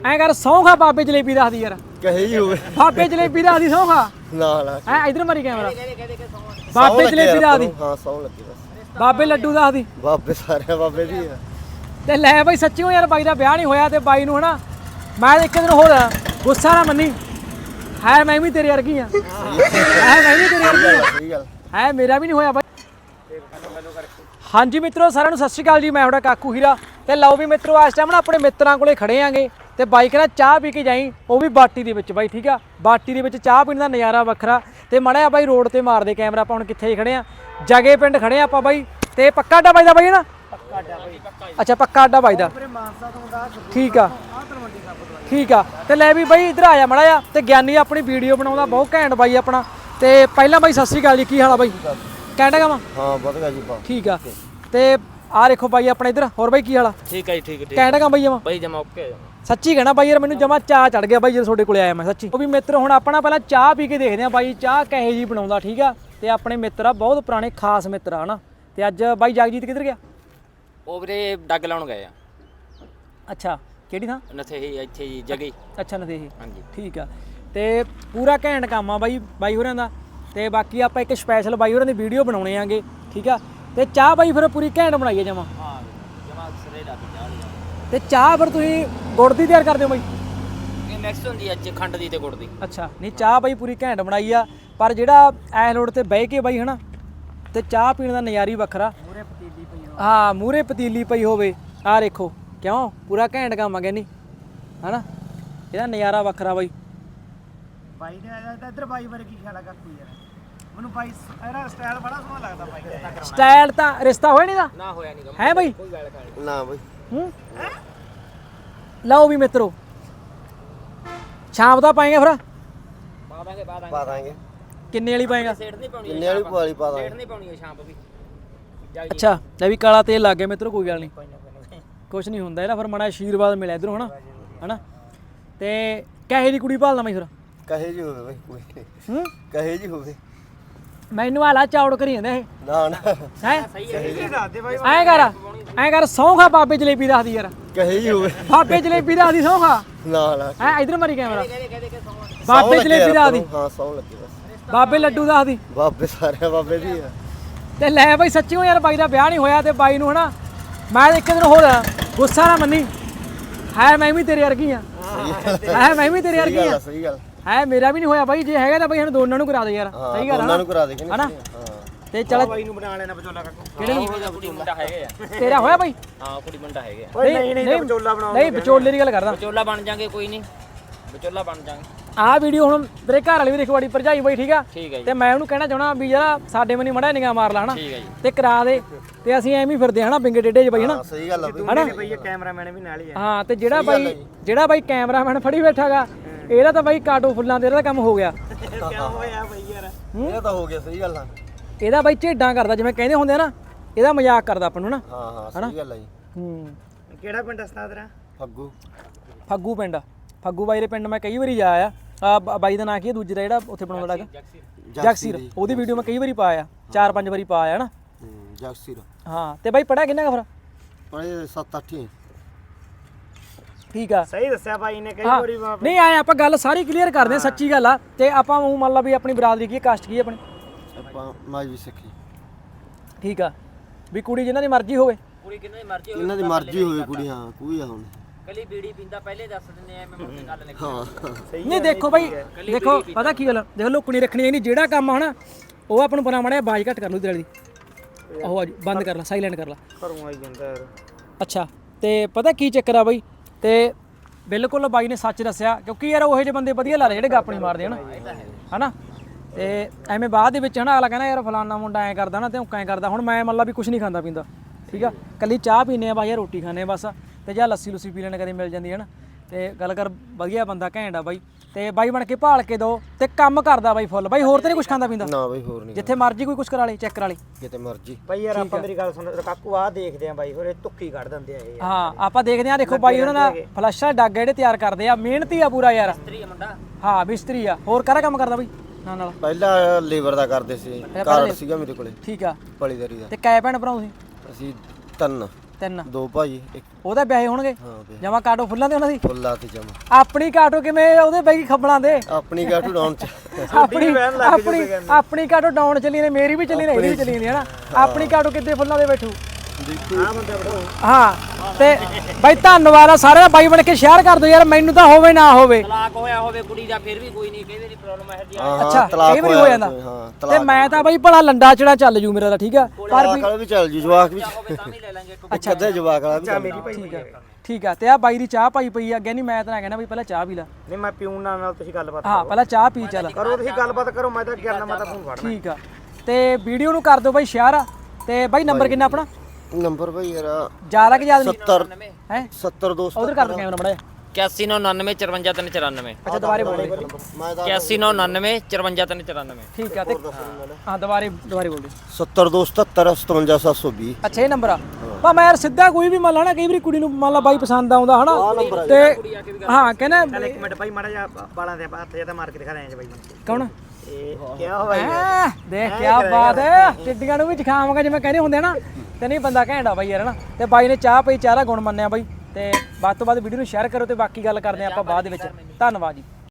ਐ ਕਰ ਸੌਂਖਾ ਬਾਬੇ ਜਲੇਬੀ ਰੱਖਦੀ ਯਾਰ ਕਹੇ ਹੀ ਹੋਵੇ ਬਾਬੇ ਜਲੇਬੀ ਰੱਖਦੀ ਸੌਂਖਾ ਨਾ ਐ ਇਧਰ ਮਾਰੀ ਕੈਮਰਾ ਬਾਬੇ ਜਲੇਬੀ ਰੱਖਦੀ ਹਾਂ ਸੌਂ ਲੱਗੀ ਬਸ ਬਾਬੇ ਲੱਡੂ ਰੱਖਦੀ ਬਾਬੇ ਸਾਰੇ ਬਾਬੇ ਦੀ ਆ ਤੇ ਲੈ ਬਾਈ ਸੱਚੀਓ ਯਾਰ ਬਾਈ ਦਾ ਵਿਆਹ ਨਹੀਂ ਹੋਇਆ ਤੇ ਬਾਈ ਨੂੰ ਹਨਾ ਮੈਂ ਇੱਕ ਦਿਨ ਹੋਰ ਗੁੱਸਾ ਨਾ ਮੰਨੀ ਹੈ ਮੈਂ ਵੀ ਤੇਰੇ ਵਰਗੀ ਆ ਹੈ ਮੈਂ ਵੀ ਤੇਰੇ ਵਰਗੀ ਆ ਸਹੀ ਗੱਲ ਹੈ ਮੇਰਾ ਵੀ ਨਹੀਂ ਹੋਇਆ ਬਾਈ ਹਾਂਜੀ ਮਿੱਤਰੋ ਸਾਰਿਆਂ ਨੂੰ ਸਤਿ ਸ਼੍ਰੀ ਅਕਾਲ ਜੀ ਮੈਂ ਤੁਹਾਡਾ ਕਾਕੂ ਹੀਰਾ ਤੇ ਲਓ ਵੀ ਮਿੱਤਰੋ ਇਸ ਟਾਈਮ ਨਾ ਆਪਣੇ ਮਿੱਤਰਾਂ ਕੋਲੇ ਖੜੇ ਆਂਗੇ ਤੇ ਬਾਈ ਕਹਿੰਦਾ ਚਾਹ ਪੀ ਕੇ ਜਾਈ ਉਹ ਵੀ ਬਾਟੀ ਦੇ ਵਿੱਚ ਬਾਈ ਠੀਕ ਆ ਬਾਟੀ ਦੇ ਵਿੱਚ ਚਾਹ ਪੀਣ ਦਾ ਨਜ਼ਾਰਾ ਵੱਖਰਾ ਤੇ ਮੜਿਆ ਬਾਈ ਰੋਡ ਤੇ ਮਾਰਦੇ ਕੈਮਰਾ ਆਪਾਂ ਹੁਣ ਕਿੱਥੇ ਖੜੇ ਆ ਜਗੇ ਪਿੰਡ ਖੜੇ ਆ ਆਪਾਂ ਬਾਈ ਤੇ ਪੱਕਾ ਅੱਡਾ ਬਾਈ ਦਾ ਬਾਈ ਨਾ ਅੱਛਾ ਪੱਕਾ ਅੱਡਾ ਬਾਈ ਦਾ ਠੀਕ ਆ ਠੀਕ ਆ ਤੇ ਲੈ ਵੀ ਬਾਈ ਇੱਧਰ ਆਇਆ ਮੜਾ ਆ ਤੇ ਗਿਆਨੀ ਆਪਣੀ ਵੀਡੀਓ ਬਣਾਉਂਦਾ ਬਹੁਤ ਘੈਂਟ ਬਾਈ ਆਪਣਾ ਤੇ ਪਹਿਲਾਂ ਬਾਈ ਸਤਿ ਸ਼੍ਰੀ ਅਕਾਲ ਜੀ ਕੀ ਹਾਲ ਆ ਬਾਈ ਕਹਿੰਦਾ ਗਾ ਹਾਂ ਵਧੀਆ ਜੀ ਬਾ ਠੀਕ ਆ ਤੇ ਆ ਦੇਖੋ ਬਾਈ ਆਪਣਾ ਇੱਧਰ ਹੋਰ ਬਾਈ ਕੀ ਹਾਲ ਆ ਠੀਕ ਹੈ ਜੀ ਠੀਕ ਕਹਿੰਦਾ ਗਾ ਬਾਈ ਜਮਾ ਬਾਈ ਜਮਾ ਓਕੇ ਸੱਚੀ ਕਹਿਣਾ ਬਾਈ ਯਾਰ ਮੈਨੂੰ ਜਮਾ ਚਾਹ ਚੜ ਗਿਆ ਬਾਈ ਜਦੋਂ ਤੁਹਾਡੇ ਕੋਲੇ ਆਇਆ ਮੈਂ ਸੱਚੀ ਉਹ ਵੀ ਮਿੱਤਰ ਹੁਣ ਆਪਣਾ ਪਹਿਲਾਂ ਚਾਹ ਪੀ ਕੇ ਦੇਖਦੇ ਆ ਬਾਈ ਚਾਹ ਕਹੇ ਜੀ ਬਣਾਉਂਦਾ ਠੀਕ ਆ ਤੇ ਆਪਣੇ ਮਿੱਤਰ ਆ ਬਹੁਤ ਪੁਰਾਣੇ ਖਾਸ ਮਿੱਤਰ ਆ ਹਨਾ ਤੇ ਅੱਜ ਬਾਈ ਜਗਜੀਤ ਕਿੱਧਰ ਗਿਆ ਉਹ ਵੀਰੇ ਡੱਗ ਲਾਉਣ ਗਏ ਆ ਅੱਛਾ ਕਿਹੜੀ ਥਾਂ ਨਥੇ ਹੀ ਇੱਥੇ ਜੀ ਜਗੇ ਅੱਛਾ ਨਦੇਹੀ ਹਾਂਜੀ ਠੀਕ ਆ ਤੇ ਪੂਰਾ ਘੈਂਟ ਕੰਮ ਆ ਬਾਈ ਹੋਰਾਂ ਦਾ ਤੇ ਬਾਕੀ ਆਪਾਂ ਇੱਕ ਸਪੈਸ਼ਲ ਬਾਈ ਹੋਰਾਂ ਦੀ ਵੀਡੀਓ ਬਣਾਉਣੇ ਆਂਗੇ ਠੀਕ ਆ ਤੇ ਚਾਹ ਬਾਈ ਫਿਰ ਪੂਰੀ ਘੈਂਟ ਬਣਾਈਏ ਜਮਾ ਹਾਂ ਜਮਾ ਸਰੇ ਦਾ ਚਾਹ ਤੇ ਚਾਹ ਫਿਰ ਤੁਸੀਂ ਗੁੜ ਦੀ ਤਿਆਰ ਕਰਦੇ ਹੋ ਬਾਈ ਇਹ ਮਿਕਸ ਹੁੰਦੀ ਹੈ ਅੱਜ ਖੰਡ ਦੀ ਤੇ ਗੁੜ ਦੀ ਅੱਛਾ ਨਹੀਂ ਚਾਹ ਬਾਈ ਪੂਰੀ ਘੈਂਟ ਬਣਾਈ ਆ ਪਰ ਜਿਹੜਾ ਐ ਲੋੜ ਤੇ ਬਹਿ ਕੇ ਬਾਈ ਹਨਾ ਤੇ ਚਾਹ ਪੀਣ ਦਾ ਨਜ਼ਾਰਾ ਹੀ ਵੱਖਰਾ ਮੂਰੇ ਪਤੀਲੀ ਪਈ ਹੋਵੇ ਹਾਂ ਮੂਰੇ ਪਤੀਲੀ ਪਈ ਹੋਵੇ ਆਹ ਦੇਖੋ ਕਿਉਂ ਪੂਰਾ ਘੈਂਟ ਕੰਮ ਆ ਗੈਨੀ ਹਨਾ ਇਹਦਾ ਨਜ਼ਾਰਾ ਵੱਖਰਾ ਬਾਈ ਬਾਈ ਨੇ ਆਇਆ ਤਾਂ ਇੱਧਰ ਬਾਈ ਬਾਰੇ ਕੀ ਖਿਆਲ ਆ ਕਾਕੂ ਯਾਰ ਮੈਨੂੰ ਬਾਈ ਇਹਦਾ ਸਟਾਈਲ ਬੜਾ ਸੋਹਣਾ ਲੱਗਦਾ ਬਾਈ ਦਾ ਸਟਾਈਲ ਤਾਂ ਰਿਸ਼ਤਾ ਹੋਇਆ ਨਹੀਂ ਦਾ ਨਾ ਹੋਇਆ ਨਹੀਂ ਹੈ ਬਾਈ ਕੋਈ ਗੱਲ ਖਾਣੀ ਨਾ ਬਈ ਹੂੰ ਲਓ ਵੀ ਮਿੱਤਰੋ ਸ਼ਾਮ ਦਾ ਪਾਏਗਾ ਫਿਰ ਪਾ ਦਾਂਗੇ ਕਿੰਨੇ ਵਾਲੀ ਪਾਏਗਾ ਸੇੜ ਨਹੀਂ ਪਾਉਣੀ ਕਿੰਨੇ ਵਾਲੀ ਪਵਾਲੀ ਪਾ ਸੇੜ ਦਾਂਗੇ ਨਹੀਂ ਪਾਉਣੀ ਸ਼ਾਮ ਵੀ ਅੱਛਾ ਲੈ ਵੀ ਕਾਲਾ ਤੇਲ ਲੱਗ ਗਿਆ ਮਿੱਤਰੋ ਕੋਈ ਗੱਲ ਨਹੀਂ ਕੁਛ ਨਹੀਂ ਹੁੰਦਾ ਇਹਦਾ ਫਿਰ ਮਾੜਾ ਆਸ਼ੀਰਵਾਦ ਮਿਲਿਆ ਇਧਰੋਂ ਹਨਾ ਤੇ ਕਹੇ ਦੀ ਕੁੜੀ ਭਾਲਦਾ ਮੈਂ ਫਿਰ ਕਹੇ ਜੀ ਹੋਵੇ ਬਈ ਕੋਈ ਹੂੰ ਕਹੇ ਜੀ ਹੋਵੇ ਮੈਨੂੰ ਹਾਲਾ ਚੌੜ ਕਰੀ ਜਾਂਦਾ ਇਹ ਨਾ ਨਾ ਹੈ ਸਹੀ ਦੱਸ ਦੇ ਬਾਈ ਐਂ ਕਰ ਸੌਂਖਾ ਬਾਬੇ ਜਲੇਬੀ ਰੱਖਦੀ ਯਾਰ ਕਹੇ ਜੀ ਹੋਵੇ ਬਾਬੇ ਜਲੇਬੀ ਰੱਖਦੀ ਸੌਂਖਾ ਨਾ ਨਾ ਐ ਇਧਰ ਮਾਰੀ ਕੈਮਰਾ ਬਾਬੇ ਜਲੇਬੀ ਰੱਖਦੀ ਹਾਂ ਸੌਂ ਲੱਗੀ ਬਸ ਬਾਬੇ ਲੱਡੂ ਰੱਖਦੀ ਬਾਬੇ ਸਾਰੇ ਬਾਬੇ ਦੀ ਆ ਤੇ ਲੈ ਬਾਈ ਸੱਚੀਓ ਯਾਰ ਬਾਈ ਦਾ ਵਿਆਹ ਨਹੀਂ ਹੋਇਆ ਤੇ ਬਾਈ ਨੂੰ ਹਨਾ ਮੈਂ ਇੱਕ ਦਿਨ ਹੋਰ ਗੁੱਸਾ ਨਾ ਮੰਨੀ ਹੈ ਮੈਂ ਵੀ ਤੇਰੇ ਵਰਗੀ ਆ ਹੈ ਮੈਂ ਵੀ ਤੇਰੇ ਵਰਗੀ ਆ ਸਹੀ ਗੱਲ ਹੈ ਮੇਰਾ ਵੀ ਨਹੀਂ ਹੋਇਆ ਬਾਈ ਜੇ ਹੈਗਾ ਤਾਂ ਬਾਈ ਸਾਨੂੰ ਦੋਨਾਂ ਨੂੰ ਕਰਾ ਦੇ ਯਾਰ ਸਹੀ ਗੱਲ ਉਹਨਾਂ ਨੂੰ ਕਰਾ ਦੇ ਕਿ ਹਨਾ ਹਾਂ ਤੇ ਚੱਲ ਬਾਈ ਨੂੰ ਬਣਾ ਲੈਣਾ ਵਿਚੋਲਾ ਕਾਕੂ ਕਿਹੜੇ ਨੂੰ ਕੁੜੀ ਮੁੰਡਾ ਹੈਗੇ ਆ ਤੇਰਾ ਹੋਇਆ ਬਾਈ ਹਾਂ ਕੁੜੀ ਮੁੰਡਾ ਹੈਗੇ ਆ ਓਏ ਨਹੀਂ ਵਿਚੋਲਾ ਬਣਾਓ ਨਹੀਂ ਵਿਚੋਲੇ ਦੀ ਗੱਲ ਕਰਦਾ ਵਿਚੋਲਾ ਬਣ ਜਾਾਂਗੇ ਕੋਈ ਨਹੀਂ ਵਿਚੋਲਾ ਬਣ ਜਾਾਂਗੇ ਆਹ ਵੀਡੀਓ ਹੁਣ ਤੇਰੇ ਘਰ ਵਾਲੀ ਵੀ ਦੇਖੋ ਬੜੀ ਭਰਜਾਈ ਬਾਈ ਠੀਕ ਆ ਠੀਕ ਹੈ ਜੀ ਤੇ ਮੈਂ ਉਹਨੂੰ ਕਹਿਣਾ ਚਾਹਣਾ ਵੀ ਯਾਰ ਸਾਡੇ ਮਨੀ ਮੜਾ ਨਿਗਾਹ ਮਾਰ ਲਾ ਹਨਾ ਠੀਕ ਹੈ ਜੀ ਤੇ ਕਰਾ ਦੇ ਤੇ ਅਸੀਂ ਐਵੇਂ ਹੀ ਫਿਰਦੇ ਹਨਾ ਬਿੰਗੇ ਡੇਡੇ 'ਚ ਬਾਈ ਹਨਾ ਸਹੀ ਗੱਲ ਆ ਬਈ ਹਨਾ ਬਈ ਇਹ ਕੈਮਰਾਮੈਨ ਵੀ ਨਾਲ ਹੀ ਆ ਹਾਂ ਤੇ ਜਿਹੜਾ ਬਾਈ ਕੈਮਰਾਮੈਨ ਫੜੀ ਬੈਠਾਗਾ ਇਹਦਾ ਤਾਂ ਬਾਈ ਕਾਟੋ ਫੁੱਲਾਂ ਤੇ ਇਹਦਾ ਕੰਮ ਹੋ ਗਿਆ ਕਿਉਂ ਹੋਇਆ ਬਈ ਯਾਰ ਇਹ ਤਾਂ ਹੋ ਗਿਆ ਸਹੀ ਗੱਲ ਆ ਇਹਦਾ ਬਾਈ ਝੇਡਾਂ ਕਰਦਾ ਜਿਵੇਂ ਕਹਿੰਦੇ ਹੁੰਦੇ ਆ ਨਾ ਇਹਦਾ ਮਜ਼ਾਕ ਕਰਦਾ ਆਪਾਂ ਨੂੰ ਨਾ ਹਾਂ ਹਾਂ ਸਹੀ ਗੱਲ ਆ ਜੀ ਹੂੰ ਕਿਹੜਾ ਪਿੰਡ ਸਤਾ ਤੇਰਾ ਫੱਗੂ ਫੱਗੂ ਪਿੰਡ ਫੱਗੂ ਬਾਈ ਦੇ ਪਿੰਡ ਮੈਂ ਕਈ ਵਾਰੀ ਜਾਇਆ ਆ ਬਾਈ ਦਾ ਨਾਂ ਕੀ ਹੈ ਦੂਜੇ ਦਾ ਜਿਹੜਾ ਉੱਥੇ ਬਣਾਉਂਦਾ ਹੈਗਾ ਜਗਸੀਰ ਉਹਦੀ ਵੀਡੀਓ ਮੈਂ ਕਈ ਵਾਰੀ ਪਾਇਆ 4-5 ਵਾਰੀ ਪਾਇਆ ਹਨਾ ਜਗਸੀਰ ਹਾਂ ਤੇ ਬਾਈ ਪੜਿਆ ਕਿੰਨਾ ਕੁ ਫਿਰ ਪੜੇ 7-8 ਠੀਕ ਆ ਸਹੀ ਦੱਸਿਆ ਬਾਈ ਨੇ ਕਈ ਹਾਂ ਵਾਰੀ ਨਹੀਂ ਆਏ ਆਪਾਂ ਗੱਲ ਸਾਰੀ ਕਲੀਅਰ ਕਰਦੇ ਆ ਸੱਚੀ ਗੱਲ ਆ ਤੇ ਆਪਾਂ ਉਹ ਮੰਨ ਲਾ ਵੀ ਆਪਣੀ ਬਰਾਦਰੀ ਕੀ ਕਾਸਟ ਕੀ ਆਪਣੀ ਆਪਾਂ ਮਾਜ ਵੀ ਸਿੱਖੀ ਠੀਕ ਆ ਵੀ ਕੁੜੀ ਜਿਨ੍ਹਾਂ ਦੀ ਮਰਜ਼ੀ ਹੋਵੇ ਕੁੜੀ ਕਿੰਨੀ ਮਰਜ਼ੀ ਇਹਨਾਂ ਦੀ ਮਰਜ਼ੀ ਹੋਵੇ ਕੁੜੀ ਹਾਂ ਕੋਈ ਆ ਹੁਣ ਕੱਲੀ ਬੀੜੀ ਪੀਂਦਾ ਪਹਿਲੇ ਦੱਸ ਦਿੰਦੇ ਆ ਮੈਂ ਮੁੜ ਕੇ ਗੱਲ ਨਹੀਂ ਹਾਂ ਨਹੀਂ ਦੇਖੋ ਬਾਈ ਦੇਖੋ ਪਤਾ ਕੀ ਗੱਲ ਦੇਖ ਲੁਕਣੀ ਰੱਖਣੀ ਨਹੀਂ ਜਿਹੜਾ ਕੰਮ ਆ ਹਨਾ ਉਹ ਆਪਾਂ ਨੂੰ ਪਤਾ ਮੜਿਆ ਬਾਜ ਘੱਟ ਕਰ ਲੂ ਤੇਰੇ ਦੀ ਉਹ ਆ ਬੰਦ ਕਰ ਲਾ ਸਾਇਲੈਂਟ ਕਰ ਲਾ ਘਰੋਂ ਆਈ ਜਾਂਦਾ ਯਾਰ ਅੱਛਾ ਤੇ ਪਤਾ ਕੀ ਚੱਕਰ ਆ ਬਾਈ ਤੇ ਬਿਲਕੁਲ ਬਾਈ ਨੇ ਸੱਚ ਦੱਸਿਆ ਕਿਉਂਕਿ ਯਾਰ ਉਹੋ ਜਿਹੇ ਬੰਦੇ ਵਧੀਆ ਲੱਗਦੇ ਜਿਹੜੇ ਗੱਪ ਨਹੀਂ ਮਾਰਦੇ ਹਨਾ ਤੇ ਐਵੇਂ ਬਾਅਦ ਦੇ ਵਿੱਚ ਹਨਾ ਅਗਲਾ ਕਹਿੰਦਾ ਯਾਰ ਫਲਾਨਾ ਮੁੰਡਾ ਐਂ ਕਰਦਾ ਨਾ ਤੇ ਉਹ ਐਂ ਕਰਦਾ ਹੁਣ ਮੈਂ ਮੰਨ ਲਾ ਵੀ ਕੁਝ ਨਹੀਂ ਖਾਂਦਾ ਪੀਂਦਾ ਠੀਕ ਆ ਕੱਲੀ ਚਾਹ ਪੀਨੇ ਆ ਬਾਈ ਰੋਟੀ ਖਾਣੇ ਬਸ ਤੇ ਜਾਂ ਲੱਸੀ ਲੁੱਸੀ ਪੀ ਲੈਣ ਕਦੇ ਮਿਲ ਜਾਂਦੀ ਹੈ ਨਾ ਤੇ ਗੱਲ ਕਰ ਵਧੀਆ ਬੰਦਾ ਘੈਂਟ ਆ ਬਾਈ ਤੇ ਬਾਈ ਬਣ ਕੇ ਭਾਲ ਕੇ ਦੋ ਤੇ ਕੰਮ ਕਰਦਾ ਬਾਈ ਫੁੱਲ ਬਾਈ ਹੋਰ ਤੇ ਨਹੀਂ ਕੁਝ ਖਾਂਦਾ ਪੀਂਦਾ ਨਾ ਬਈ ਹੋਰ ਨਹੀਂ ਜਿੱਥੇ ਮਰਜ਼ੀ ਕੋਈ ਕੁਝ ਕਰਾ ਲੇ ਚੈੱਕ ਕਰਾ ਲੇ ਕਿਤੇ ਮਰਜ਼ੀ ਬਾਈ ਯਾਰ ਆਪਾਂ ਮੇਰੀ ਗੱਲ ਸੁਣ ਕਾਕੂ ਆਹ ਦੇਖਦੇ ਆ ਬਾਈ ਹੋਰ ਇਹ ਤੁੱਕੀ ਕੱਢ ਦਿੰਦੇ ਆ ਇਹ ਹਾਂ ਆਪਾਂ ਦੇਖਦੇ ਆ ਦੇਖੋ ਬਾਈ ਉਹਨਾਂ ਦਾ ਫਲੱਸ਼ਾਂ ਡੱਗ ਜਿਹੜੇ ਤਿਆਰ ਕਰਦੇ ਆ ਮਿਹਨਤੀ ਆ ਪੂਰਾ ਯਾਰ ਮਿਸਤਰੀ ਆ ਮੁੰਡਾ ਹਾਂ ਮਿਸਤਰੀ ਆ ਹੋਰ ਕਾਹਦਾ ਕੰਮ ਕਰਦਾ ਬਾਈ ਨਾਲ ਪਹਿਲਾਂ ਲੇਬਰ ਦਾ ਕਰਦੇ ਸੀ ਕਾਰਡ ਸੀਗਾ ਮੇਰੇ ਕੋਲੇ ਠੀਕ ਆ ਪਲੀਦਾਰੀ ਦਾ ਤੇ ਕੈ ਭੈਣ ਭਰਾ ਤੁਸੀਂ ਅਸੀਂ ਤਿੰਨ ਤਿੰਨ ਦੋ ਭਾਈ ਇੱਕ ਉਹਦੇ ਵਿਆਹੇ ਹੋਣਗੇ ਹਾਂ ਵੇ ਜਮਾ ਕਾਟੋ ਫੁੱਲਾਂ ਦੇ ਉਹਨਾਂ ਦੀ ਫੁੱਲਾ ਤੇ ਜਮਾ ਆਪਣੀ ਕਾਟੋ ਕਿਵੇਂ ਉਹਦੇ ਬਈ ਖੱਬਲਾਂ ਦੇ ਆਪਣੀ ਗਾਟੂ ਡਾਉਣ ਚ ਆਪਣੀ ਕਾਟੋ ਡਾਊਨ ਚੱਲੀ ਨੇ ਮੇਰੀ ਵੀ ਚੱਲੀ ਨੇ ਇਹਦੀ ਵੀ ਚੱਲੀ ਨੇ ਹਨਾ ਆਪਣੀ ਕਾਟੋ ਕਿੱਦੇ ਫੁੱਲਾਂ ਦੇ ਬੈਠੂ ਆ ਬੰਦਾ ਬੜੋ ਹਾਂ ਤੇ ਬਾਈ ਧੰਨਵਾਦ ਆ ਸਾਰਿਆਂ ਦਾ ਬਾਈ ਬਣ ਕੇ ਸ਼ੇਅਰ ਕਰ ਦਿਓ ਯਾਰ ਮੈਨੂੰ ਤਾਂ ਹੋਵੇ ਨਾ ਹੋਵੇ ਤਲਾਕ ਹੋਇਆ ਹੋਵੇ ਕੁੜੀ ਦਾ ਫਿਰ ਵੀ ਕੋਈ ਨਹੀਂ ਕਈ ਵਾਰੀ ਪ੍ਰੋਬਲਮ ਹੈ ਜੀ ਅੱਛਾ ਤਲਾਕ ਇਹ ਵੀ ਹੋ ਜਾਂਦਾ ਹਾਂ ਤੇ ਮੈਂ ਤਾਂ ਬਾਈ ਭਲਾ ਲੰਡਾ ਚੜਾ ਚੱਲ ਜੂ ਮੇਰਾ ਤਾਂ ਠੀਕ ਆ ਪਰ ਤਲਾਕ ਵਾਲਾ ਵੀ ਚੱਲ ਜੂ ਜਵਾਕ ਵੀ ਹੋਵੇ ਤਾਂ ਵੀ ਲੈ ਲਾਂਗੇ ਇੱਕ ਅੱਛਾ ਅੱਧੇ ਜਵਾਕ ਵਾਲਾ ਵੀ ਚੱਲ ਮੇਰੀ ਭਾਈ ਠੀਕ ਆ ਠੀਕ ਆ ਤੇ ਆ ਬਾਈ ਦੀ ਚਾਹ ਪਾਈ ਪਈ ਆ ਅੱਗੇ ਨਹੀਂ ਮੈਂ ਤਾਂ ਕਹਿਣਾ ਵੀ ਪਹਿਲਾਂ ਚਾਹ ਪੀ ਲੈ ਨਹੀਂ ਮੈਂ ਪੀਉਣ ਨਾਲ ਤੁਸੀਂ ਗੱਲਬਾਤ ਹਾਂ ਪਹਿਲਾਂ ਚਾਹ ਪੀ ਚੱਲ ਕਰੋ ਤੁਸੀਂ ਗੱਲਬਾਤ ਕਰੋ ਮੈਂ ਤਾਂ ਗਿਰਨਾ ਮੈਂ ਤਾਂ ਫੋਨ ਫੜਨਾ ਠੀਕ ਆ ਤੇ ਵੀਡੀਓ ਨੂੰ ਕਰ ਦਿਓ ਬਾਈ ਸ਼ੇਅਰ ਤੇ ਬਾਈ ਨੰਬਰ ਕਿੰਨਾ ਆਪਣਾ ਨੰਬਰ ਭਾਈ ਯਾਰ ਜ਼ਿਆਦਾ ਕਿ ਜ਼ਿਆਦਾ ਨਹੀਂ 70 ਹੈ 70 ਦੋਸਤ ਉਧਰ ਕਰ ਦੋ ਕੈਮਰਾ ਮੜਾ 8199 54394 ਅੱਛਾ ਦੁਬਾਰੇ ਬੋਲ ਦੇ ਮੈਂ ਤਾਂ 8199 54394 ਠੀਕ ਆ ਤੇ ਹਾਂ ਦੁਬਾਰੇ ਬੋਲ ਦੇ 70 277 57720 ਅੱਛਾ ਇਹ ਨੰਬਰ ਆ ਪਾ ਮੈਂ ਯਾਰ ਸਿੱਧਾ ਕੋਈ ਵੀ ਮੰਨ ਲਾ ਨਾ ਕਈ ਵਾਰੀ ਕੁੜੀ ਨੂੰ ਮੰਨ ਲਾ ਬਾਈ ਪਸੰਦ ਆਉਂਦਾ ਹਨਾ ਤੇ ਹਾਂ ਕਹਿੰਦਾ ਚੱਲ ਇੱਕ ਮਿੰਟ ਭਾਈ ਮਾੜਾ ਜਿਹਾ ਬਾਲਾਂ ਦੇ ਹੱਥ ਜਿਹਾ ਤਾਂ ਮਾਰ ਕੇ ਦਿਖਾ ਦੇ ਭਾਈ ਕੌਣ ਇਹ ਕੀ ਹੋਇਆ ਦੇਖ ਕੀ ਬਾਤ ਹੈ ਟਿੱਡੀਆਂ ਨੂੰ ਵੀ ਦਿਖਾਵਾਂਗਾ ਜਿਵੇਂ ਕਹਿੰਦੇ ਹੁੰਦੇ ਨਾ ਤੇ ਨਹੀਂ ਬੰਦਾ ਘੈਂਟਾ ਬਾਈ ਯਾਰ ਹਨਾ ਤੇ ਬਾਈ ਨੇ ਚਾਹ ਪਈ ਚਾਹ ਦਾ ਗੁਣ ਮੰਨਿਆ ਬਾਈ ਤੇ ਵੱਧ ਤੋਂ ਵੱਧ ਵੀਡੀਓ ਨੂੰ ਸ਼ੇਅਰ ਕਰੋ ਤੇ ਬਾਕੀ ਗੱਲ ਕਰਦੇ ਆਪਾਂ ਬਾਅਦ ਦੇ ਵਿੱਚ ਧੰਨਵਾਦ ਜੀ।